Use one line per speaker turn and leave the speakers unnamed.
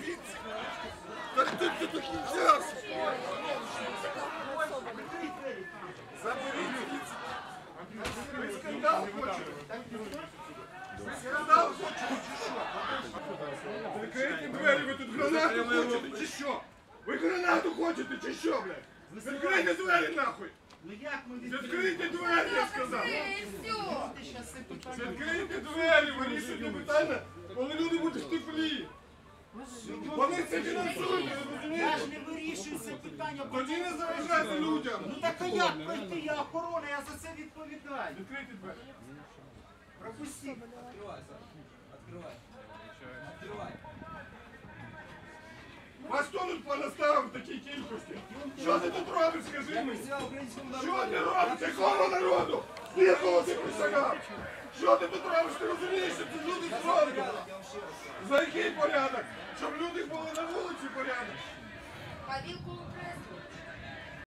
кінця. Так ти до кінця. Заберіть кінця. Ви скандал хочете? Скандал хочете чи що? Закрийте двері, ви тут гранату хочете чи що? Ви гранату хочете чи що, блядь? Закрийте двері нахуй!
Ну як ми
Відкрийте двері, я сказав!
Все.
Відкрийте двері, вирішуйте питання, коли люди будуть в теплі! Вони це фінансують, ви
Я
розумієте?
ж не вирішую це питання.
Тоді не заважайте людям!
Ну так а як пройти? Я охорона, я за це відповідаю.
Відкрийте двері!
Пропустіть.
Открывай, Саша. Открывай. Открывай.
Вас хто тут понаставив в такій кількості? Що ти тут робиш, скажи мені?
Присягал украинскому
Що
народу.
ти робиш? Якого народу? Ти якого ти присягав? Що ти тут робиш? Ти розумієш, що це люди зроблять?
Я вам ще раз скажу.
За який порядок? Щоб люди були на вулиці порядок?
Павілку окреслюють.